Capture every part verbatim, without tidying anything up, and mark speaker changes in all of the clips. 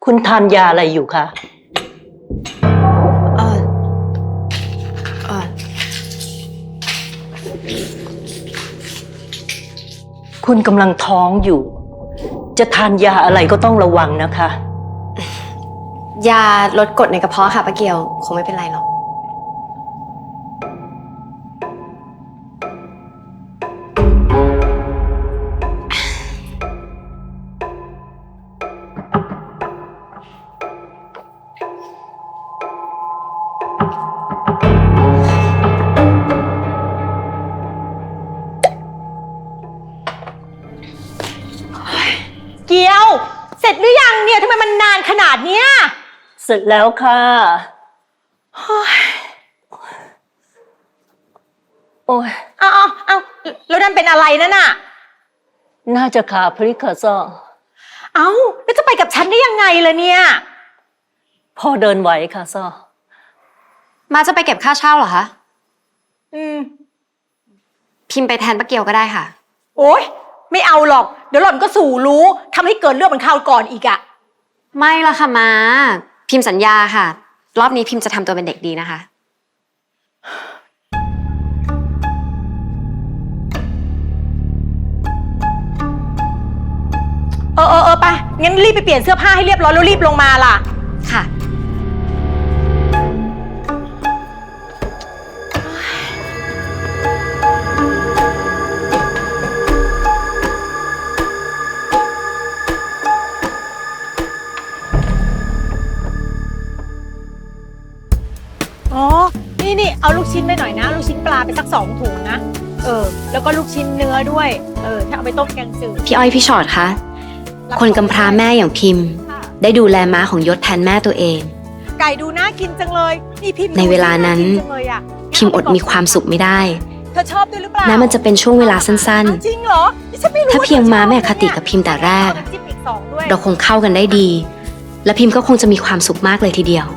Speaker 1: คุณทานยาอะไรอยู่คะ
Speaker 2: เออเออ
Speaker 1: คุณกำลังท้องอยู่ จะทานยาอะไรก็ต้องระวังนะคะ
Speaker 2: ยาลดกรดในกระเพาะค่ะป้าเกียวคงไม่เป็นไรหรอก
Speaker 3: เกียวเสร็จหรือยังเนี่ยทำไมมันนานขนาดเนี้ย
Speaker 1: เสร็จแล้วค่ะโอ้ย
Speaker 3: เอาเอาเอาแล้วนั่นเป็นอะไรนั่นน่ะ
Speaker 1: น่าจะขาพลิกค่ะซ่อ
Speaker 3: เอาแล้วจะไปกับฉันได้ยังไงล่ะเนี่ย
Speaker 1: พ่อเดินไหวค่ะซ่อ
Speaker 2: มาจะไปเก็บค่าเช่าเหรอคะ
Speaker 3: อืม
Speaker 2: พิมพ์ไปแทนป้าเกียวก็ได้ค่ะ
Speaker 3: โอ๊ยไม่เอาหรอกเดี๋ยวหล่อนก็สู่รู้ทำให้เกิดเรื่องเหมือนคราวก่อนอีกอะ
Speaker 2: ไม่ละค่ะมาพิมพ์สัญญาค่ะรอบนี้พิมพ์จะทำตัวเป็นเด็กดีนะคะ
Speaker 3: เออเออเออไปงั้นรีบไปเปลี่ยนเสื้อผ้าให้เรียบร้อยแล้วรีบลงมาล่ะ
Speaker 2: ค่ะ
Speaker 3: อ๋อนี่นี่เอาลูกชิ้นไปหน่อยนะลูกชิ้นปลาไปสักสองถุงนะเออแล้วก็ลูกชิ้นเนื้อด้วยเออถ้าเอาไปต้มแกงจืด
Speaker 2: พี่อ้อยพี่ชอดคะคนกำพร้าแม่อย่างพิมพ์ได้ดูแลม้าของยศแทนแม่ตัวเอง
Speaker 3: ไก่ดูน่ากินจังเลยนี่พิมพ์
Speaker 2: ในเวลานั้นพิมพ์อดมีความสุขไม่ได้
Speaker 3: เธอชอบด้วยหรือเปล่า
Speaker 2: แม้มันจะเป็นช่วงเวลาสั้น
Speaker 3: ๆจริงเหรอ
Speaker 2: ถ้าเพียงม้าแม่คติกับพิมพ์แต่แรกเราคงเข้ากันได้ดีและพิมพ์ก็คงจะมีความสุขมากเลยทีเดียว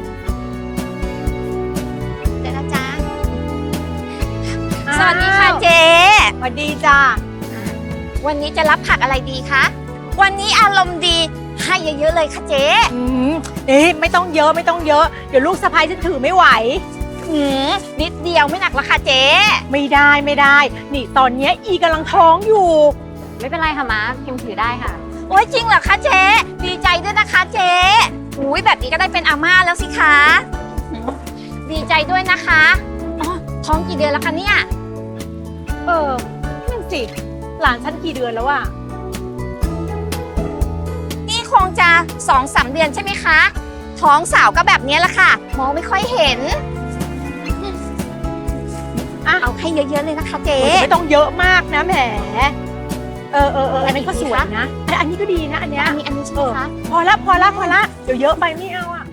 Speaker 4: สวัสดีค่ะเจ๊
Speaker 3: สวัสดีจ้า
Speaker 4: วันนี้จะรับผักอะไรดีคะวันนี้อารมณ์ดีให้เยอะๆเลยค่ะเจ๊
Speaker 3: อืมเอ๊ะไม่ต้องเยอะไม่ต้องเยอะเดี๋ยวลูกสะใภ้ฉันถือไม่ไหว
Speaker 4: อืมนิดเดียวไม่หนักหรอกค่ะเจ๊
Speaker 3: ไม่ได้ไม่ได้นี่ตอนนี้อีกำลังท้องอยู่
Speaker 2: ไม่เป็นไรค่ะม้าพิมพ์ถือได้ค่ะ
Speaker 4: โอ้ยจริงเหรอคะเจ๊ดีใจด้วยนะคะเจ๊อุ้ยแบบนี้ก็ได้เป็นอาม่าแล้วสิคะดีใจด้วยนะคะอ๋อท้องกี่เดือนแล้วคะเนี่ย
Speaker 3: เออนั่นสิหลานฉันกี่เดือนแล้วอะ
Speaker 4: นี่คงจะสองสามเดือนใช่ไหมคะท้องสาวก็แบบนี้แหละค่ะมองไม่ค่อยเห็นอ่ะเอาให้เยอะๆเลยนะคะเจ๊
Speaker 3: ไม่ต้องเยอะมากนะแหมเออเออเอออันนี้ก็สวยนะอันนี้ก็ดีนะอันนี้
Speaker 4: อันนี้อันนี้ใช่ไหมคะ
Speaker 3: พอละพอละพอละเดี๋ยวเยอะไปไม่เอาอะ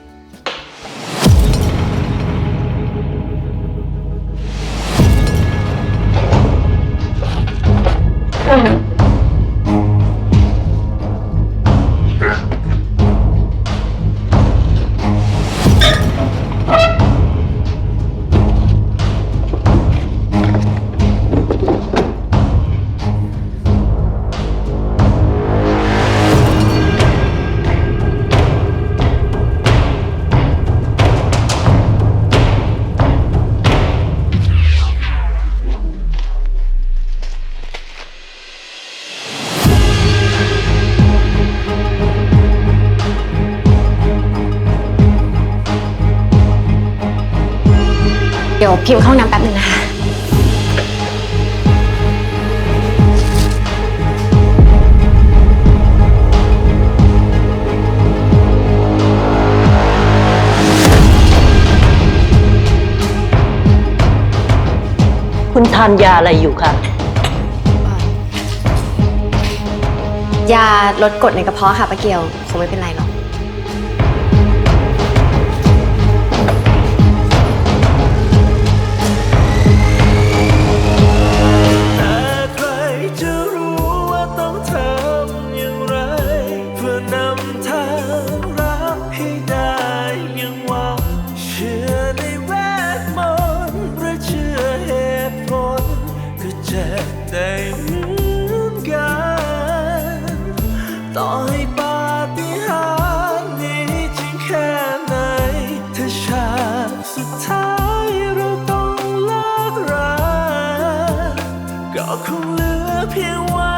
Speaker 2: เดี๋ยวพิมพ์เข้าน้ำแป๊บนึงนะคะ
Speaker 1: คุณทานยาอะไรอยู่คะ
Speaker 2: ยาลดกรดในกระเพาะค่ะป้าเกียวคงไม่เป็นไรหรอก
Speaker 5: ต่อให้ปาฏิหาก็คงเหลือเพียงว่า